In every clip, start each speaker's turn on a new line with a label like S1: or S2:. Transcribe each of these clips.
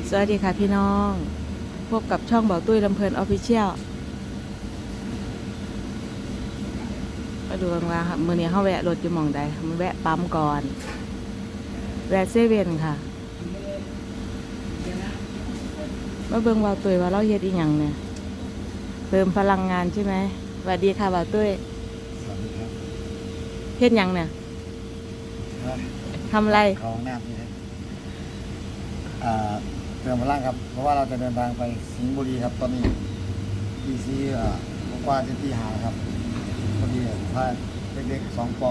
S1: สวัสดีค่ะพี่น้องพบกับช่องเบาตุ้ยลำเพลินออฟฟิเชียลมาดูกันว่ามื้อนี้เขาแวะรถอยู่หม่องใดมันแวะปั๊มก่อนแวะเซเว่นค่ะมาเบิ่งเบาตุ้ยว่าเราเฮ็ดอีหยังเนี่ยเติมพลังงานใช่ไหมสวัสดีค่ะเบาตุ้ย
S2: สวัสดีครับ
S1: เฮ็ดหยังเนี่ยทำอะไร
S2: เข้าห้องน้ำนี่ครับเติมพลังครับ เพราะว่าเราจะเดินทางไปสิงห์บุรีครับ ตอนนี้ดีซีกว่าจะที่หาครับพอดีพาเด็กๆ2 ป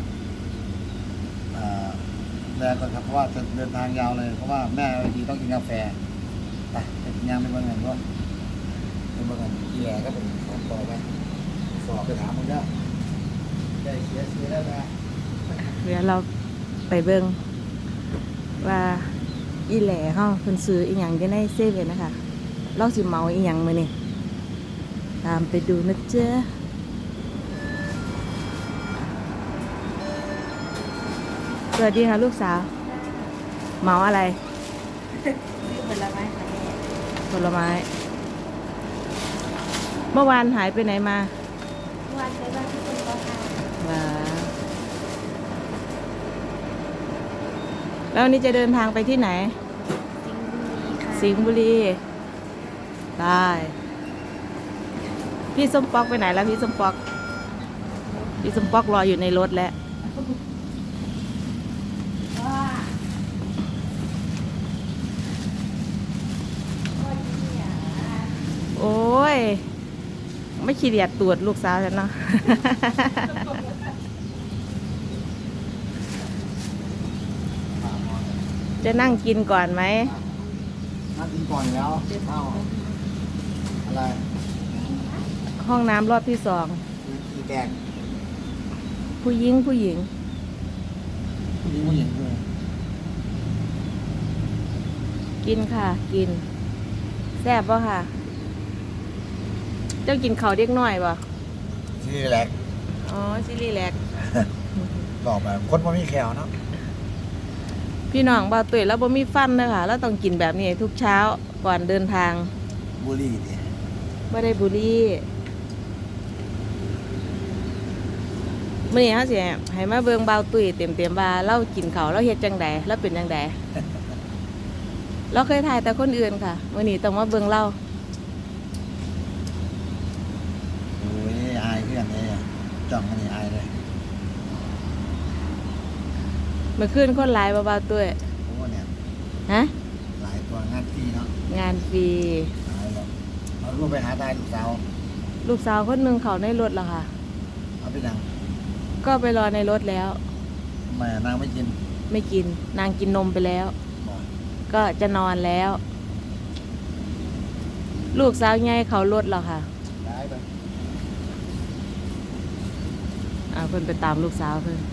S2: แรงก่อนครับ เพราะว่าจะเดินทางยาวเลย เพราะว่าแม่ดีต้องกินกาแฟไปกินยางไปเบิ่งกันก็ไปเบิ่งกันที่แหล่ก็เป็น2 ปไปสอบไปถามมึงได้ได้เสียได้ไหม
S1: เดี๋ยวเราไปเบิ่งว่าอีแหล่เขาเพิ่นซื้ออีหยังอยู่ในเซเว่นนะคะเราสิเมาอีหยังมื้อนี้ตามไปดูนะเจ้าสวัสดีค่ะลูกสาวเมาอะไรผลไม้ผลไม้เมื่อวานหายไปไหนมา
S3: วันไปบ้านที่คุณพ่อค่ะ
S1: ว้าแล้ววันนี้จะเดินทางไปที่ไหน
S3: สิงห์บุรีค่ะ
S1: สิงห์บุรีได้พี่ส้มปอกไปไหนแล้วพี่ส้มปอกพี่ส้มปอกรออยู่ในรถแล้ว
S3: ว่าว่าที่เนี่ย
S1: โอ้ยไม่ขี้เดียดตรวจลูกสาวฉันเนาะ จะนั่งกินก่อนไหม
S2: นั่งกินก่อนอยู่แล้วข้าวอะไร
S1: ห้องน้ำรอบที่สอง
S2: อีแกง
S1: ผู้หญิง
S2: ผู้หญิงเลย
S1: กินค่ะ กินแซ่บป่ะค่ะ เจ้ากินข้าวเด็กน้อยป่ะ
S2: ที่แรก
S1: อ๋อซิลีแลก
S2: บอกแบบคนบ่มีแขวเนาะ
S1: พี่น้องบ่าวตุ๋ยแล้วบ่มีฟันนะคะแล้วต้องกินแบบนี้ทุกเช้าก่อนเดินทาง
S2: บุหรี่ดิ
S1: บ่ได้บุหรี่มื้อนี้เฮาสิให้มาเบิ่งบ่าวตุ๋ยเต็มๆว่าเรากินข้าวเราเฮ็ดจังใดเราเป็นจังใด เราเคยถ่ายแต่คนอื่นค่ะมื้อนี้ต้องมาเบิ่งเรา
S2: โอ้ยอายเพื่อนเลยจ้องมันนี่อายเลย
S1: เมื่อคืนคนหลายบ่บ่าวตุ๋ย
S2: โอ้เนี่ย
S1: ฮะ
S2: หลายตัวงานฟรีเนาะ
S1: งานฟรี
S2: หลายแบบเอาลูกไปหาตายลูกสาว
S1: ลูกสาวคนหนึงเขาในรถแล้วค่ะ
S2: เอาไปดัง
S1: ก็ไปรอในรถแล้ว
S2: ทำไมนางไม่กิน
S1: ไม่กินนางกินนมไปแล้ว
S2: บอก
S1: ก็จะนอนแล้ว ลูกสาวใหญ่เขารถแล้วค่ะ
S2: ย้ายไป
S1: เพิ่นไปตามลูกสาวเพิ่น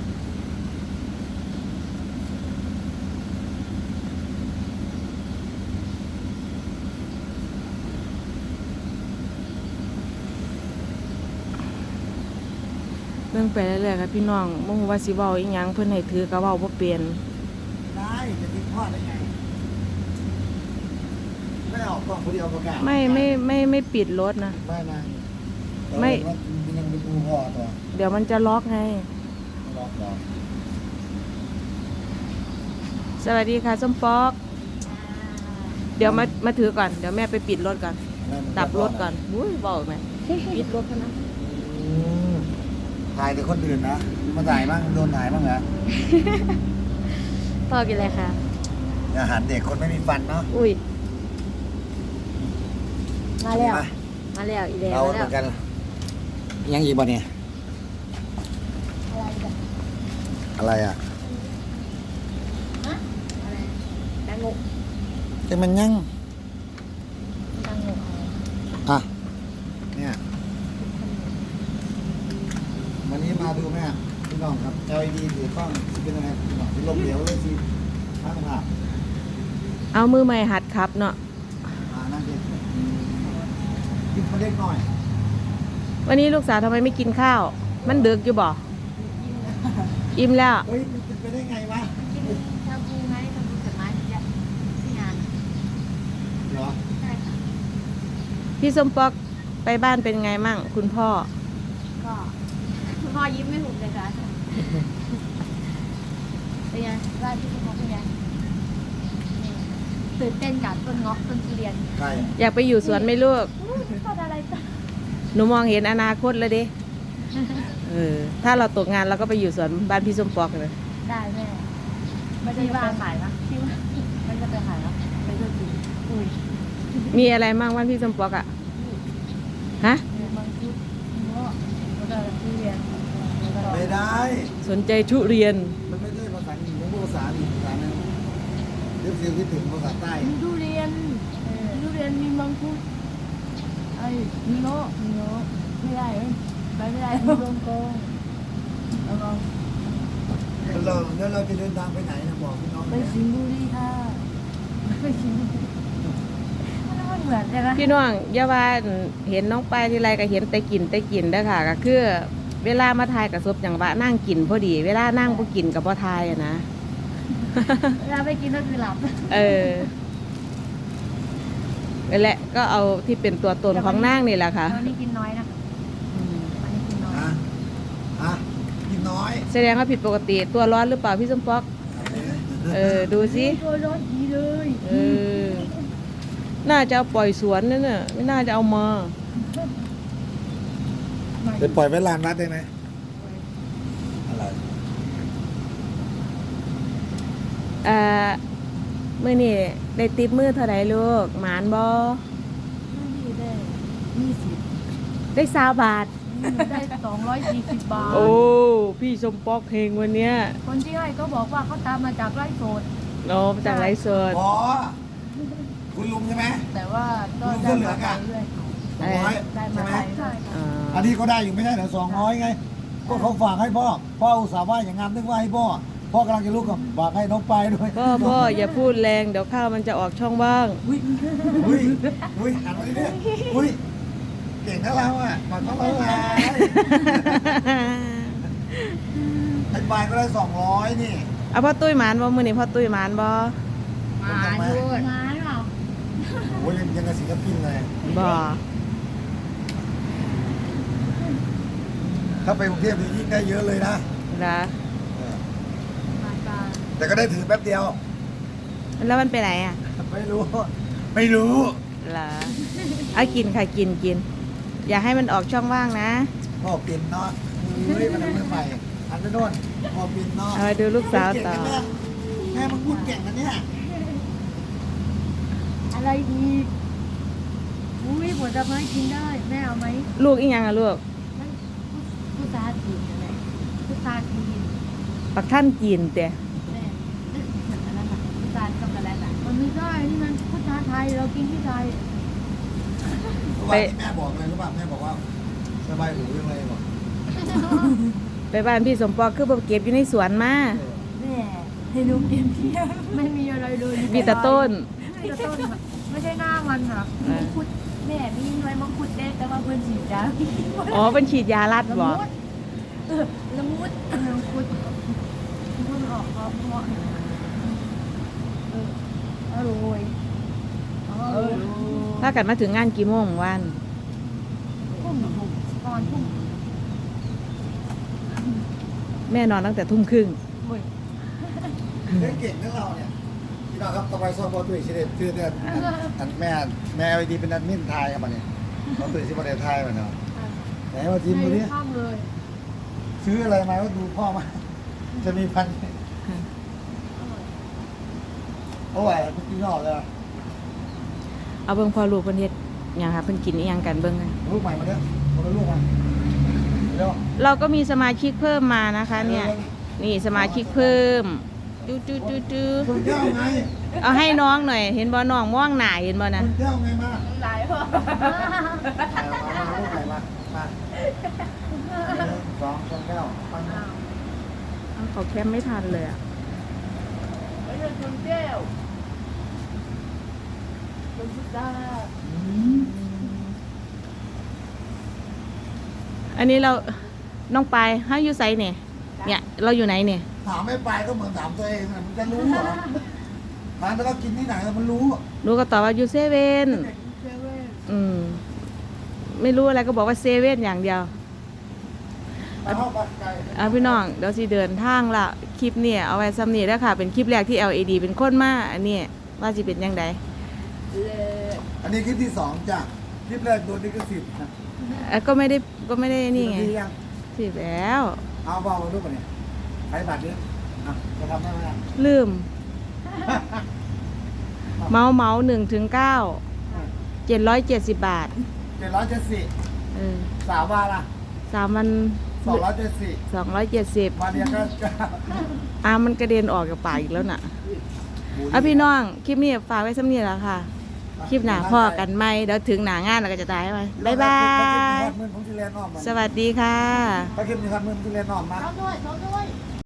S1: เรื่องไปเรื่อยๆครับพี่น้องบ่ฮู้ว่าสิเว้าอีหยังเพิ่นให้ถือก็เว้าบ่เป็น
S2: ได้จะทิ้งพ่อได้ไงไม่ออกกล้องคนเดียวประกาศ
S1: ไม่ปิดรถนะ
S2: ไม่นะ
S1: ไม่
S2: มันยังเป็นอูพ่อตัว
S1: เดี๋ยวมันจะล็อกไง
S2: ล็อกล็อก
S1: สวัสดีค่ะส้มปอก เดี๋ยวมาถือก่อน เดี๋ยวแม่ไปปิดรถก่อน ดับรถก่อนอุ้ยบอกไหมปิดรถเขานะ
S2: อืมถ่ายแต่คนอื่นนะ มาถ่ายบ้างโดนถ่ายบ้างเหรอ
S1: พ่อกินอะไรคะ
S2: อาหารเด็กคนไม่มีฟันเนาะ
S1: อุ้ย มาแล้ว
S2: มา
S1: มาแล้วอีแล้ว
S2: เรา
S1: มา
S2: เห
S1: แล้
S2: มื
S1: ว
S2: อนกัน ยังอีกบ่เนี่ย
S3: อะไรแบบ
S2: อะไรอ่ะ
S3: ฮะอะไรดังงก
S2: แต่มันยัง
S3: ดังงก
S2: อ่ะ เนี่ย วันนี้มาดูแม่พี่น้องครับ LED ถือกล้องสิเป็นยังไงพี่น้องที่ลมเหลวเลยสิข้างภาพ
S1: เอามือใหม่หัดครับเนาะ
S2: นั่นเด็กกินคนเล็กหน่อย
S1: วันนี้ลูกสาวทำไมไม่กินข้าว มันดึกอยู่บ่อิ่มแล้ว
S2: เฮ้ยมันเป็นไปได้ไงวะ
S3: ทำบูไงทำบูเสร็จไหมที่งาน
S1: พี่ส้มปอกไปบ้านเป็นไงมั่งคุณพ่อ
S3: ก็คุณพ่อยิ้มไม่หุบเลยค่ะเป็นไงบ้านที่คุณพ่อเป็นไงนี่ตื่นเต้นกับต้นเงาะต้นทุเรียน
S2: ใคร
S1: อยากไปอยู่สวนไหมลูก
S3: ต้นอะไรต้น
S1: หนูมองเห็นอนาคตเลยดิถ้าเราตกงานเราก็ไปอยู่สวนบ้านพี่ส้มปอกเลย
S3: ได้แม่ไม่ได้ว่าขายนะที่ว่าไม่จะไปขายนะไปช่วยกินอุ้ย
S1: มีอะไรมั่งบ้านพี่ส้มปอกอะฮะ
S3: มีมังคุดเงาะแล้วก็ทุเรียนแล้วก็
S2: ไม่ได้
S1: สนใจทุเรียน
S2: มันไม่ได้ภาษาอังกฤษมันภาษาอีกภาษาหนึ่งเดี๋ยวฟิลคิดถึงภาษาใต้
S3: มีทุเรียนมีมังคุดไอ้มีเงาะไม่ได้ไปไม่ได้มีลงกงแล้วก็
S2: แล้วเราจะเดินทางไปไหนนะบอกพี่น้อง
S3: ไปสิงห์บุรีค่ะไปสิงห์บุรีมันเหมือนกันนะ
S1: พี่น้องอย่าว่าเห็นน้องปลายทีไรก็เห็นแต่กินเด้อค่ะก็คือเวลามาทายกับซบอย่างว่านั่งกินพอดี เวลานั่งบ่กินกับบ่ทายอะนะ
S3: เวลาไปกินก็คือหลับ
S1: นั่นแหละก็เอาที่เป็นตัวตนของนางนี่แหละค่ะ
S3: วันนี้กินน้อยนะวันนี้กินน้อย
S2: ฮะกินน้อย
S1: แสดงว่าผิดปกติตัวร้อนหรือเปล่าพี่สมปอกดูสิ
S3: ตัวร้อนดีเลย
S1: น่าจะเอาปล่อยสวนนั่นน่ะไม่น่าจะเอามา
S2: ไปปล่อยไว้ลานวัดได้ไหมอะไร
S1: มื้อนี้ได้ติปมือเท่าไหร่ลูกหมานบ่
S3: นี่ได้20
S1: ได้20 บาท
S3: ได้240 บาท
S1: โอ้พี่สมปอกเพลงวันเนี้ย
S3: คนที่ให้ก็บอกว่าเขาตามมาจากไร่โสด
S1: โอ้มาจากไลฟ์สด
S2: อ๋อคุณลุงใช่ไหม
S3: แต่ว่าก็ได้มาไปเรื่อย
S2: 200
S3: ได้
S2: ใช่
S3: มา
S2: ไหม
S3: ไปใช่ค่ะ
S2: อันนี้ก็ได้อยู่ไม่ใช่เหรอ200ไงก็เขาฝากให้พ่ออุตส่าห์ว่าอย่างงานนึกว่าให้พ่อกำลังจะลุกกับฝากให้น้องไปด้วย
S1: พ่ออย่าพูดแรงเดี๋ยวข้าวมันจะออกช่องบ้าง
S2: อุ้ยหันมาดิเนี่ยอุ้ยเก่งนะเราอ่ะมาต้องเราไงไอ้ปลายก็ได้200นี่
S1: เอาพ่อตุ้ยหมานบ่มื้อนี้พ่อตุ้ยหมานบ่
S3: มาด้วยมาหรอ
S2: โอ้ยยังกับศิลปินเลย
S1: บ่
S2: ถ้าไปกรุงเทพนี่ยิ่งได้เยอะเลยนะ
S1: นะ
S3: มาตา
S2: แต่ก็ได้ถือแป๊บเดียว
S1: แล้วมันไปไหนอ่ะ
S2: ไม่รู้
S1: เหรอเอากินค่ะกิน อย่าให้มันออกช่องว่างนะ
S2: พ่อปิ่นเนาะเฮ้ยมันเป็นใหม่อันนั้นโน่นพ่อปิ่นเนาะ
S1: เอาไปดูลูกสาวต่อ
S2: แม่มึงพูดเก่งนะเนี่ย
S3: อะไรอีกอุ้ยผลไม้กินได้แม่เอาไหม
S1: ลูกอีหยังอ่ะลูก
S3: นั่นพุทราจีนอะไรพุทราจีน
S1: ปักท่านกินแต่
S3: แม่เหมือนอันนั้นอะพุทราช็อกโกแลตอะมันไม่ได้นี่มันพุทราไทยเรากินที่ไทย
S2: วันที่แม่บอกเลยรู้ป่ะแม่บอกว่าสบายหูยังไงบอก
S1: ไปบ้านพี่สมปองคือบ่เก็บอยู่ในสวนมา
S3: แม่ให้ลูกกินเที่ยวไม่มีอะไรเลย
S1: มีแต่ต้น
S3: มีแต่ต้นอะไม่ใช่หน้ามันค่ะมังคุดแม่มีหน่วยมังคุดเด็ดแต่ว่าเพิ่นฉีดยา
S1: อ๋อเป็นฉีดยาลัด
S3: ละ
S1: บ่
S3: มุดละมุดมังคุดเพิ่งออกเพราะอร่อยอร่อย
S1: ถ้ากันมาถึงงานกี่โมงวัน
S3: ทุ่มก่อนทุ่ม
S1: แม่นอนตั้งแต่ทุ่มครึ่ง
S3: เว้ย
S2: เก่งนะเราเนี่ยพี่น้องครับต่อไปซ้อมบอลตุ้ยสิเด็ดคือเดือนอันแม่ไอดีเป็นแอดมินไทยครับมันเนี่ยบอลตุ้ยสิบอลเดไทยมันเนาะไหนมาทีมดูดิ
S3: ข้ามเลย
S2: ซื้ออะไรมาก็ดูพ่อมาจะมีพันโอ้ยพี่น้องเลย
S1: เอาเบิ่งพอลูกเพิ่นเฮ็ดหยังค่ะเพิ่นกินอีหยังกันเบิ่งค่ะ
S2: ลูกใหม่มาเด้อคนละลูกมาเร็ว
S1: เราก็มีสมาชิกเพิ่มมานะคะ เนี่ย นี่สมาชิกเพิ่มจู
S2: คนเจ้าไง
S1: เอาให้น้องหน่อย เห็นบ่น้องม่วงหน้าเห็นบ่
S2: ค
S1: นะ
S2: นเจ้าไงมา
S3: หลายพ่อ
S2: มาลูกใหม่มาสองคนเจ้า
S1: เอาเขาแคมไม่ทันเลยอ่ะ
S3: ไม่ใช่คนแก้วคนพุทธา
S1: อันนี้เราน้องปายให้อยู่ไสเนี่ยเนี่ยเราอยู่ไหนเนี่ย
S2: ถามไม่ไปก็เหมือนถามตัวเองมันจะรู้เหรอทานแล้วก็กินที่ไหนมันรู้
S1: หนูก็ตอบว่าอยู่เซเว่น
S3: เซเว่น
S1: อืมไม่รู้อะไรก็บอกว่าเซเว่นอย่างเดียว
S2: ไปเข้าไปไกล
S1: พี่น้องเดี๋ยวสิเดินทางละคลิปเนี่ยเอาไว้ซ้ำนี่แล้วค่ะเป็นคลิปแรกที่ LED เป็นคนมาอันนี้ว่าสิเป็นยังไง
S3: เลย
S2: อันนี้คลิปที่2จ้ะคลิปแรกโดนลิขสิทธิ์นะ
S1: ก็ไม่ได้นี่ไง
S2: ดียัง
S1: สิแล้ว
S2: เอาเบามาดูก่อนเนี่ยใช้บัตรนี้อ่ะจะทำได้ไหมอ่ะ
S1: ลืม เมา1 ถึง 9 770 บาท
S2: 770
S1: เออ
S2: 3 วันละ
S1: 3 วัน
S2: 270
S1: 270
S2: วันเดียวก็
S1: มันกระเด็นออกจากปากอีกแล้วน่ะพี่น้องคลิปนี้ฝากไว้ซ้ำนี่แล้วค่ะ คลิปหนาพ่อกันไหมเดี๋ยวถึงหนางานเราก็จะตายไปบ๊ายบาย
S2: มือผมที่เรียนอ้อมมา
S1: สวัสดีค่ะ
S2: ถ้าคลิปนี้ครับมือผมที่เรียนอ้อมมา
S3: ท้องด้วย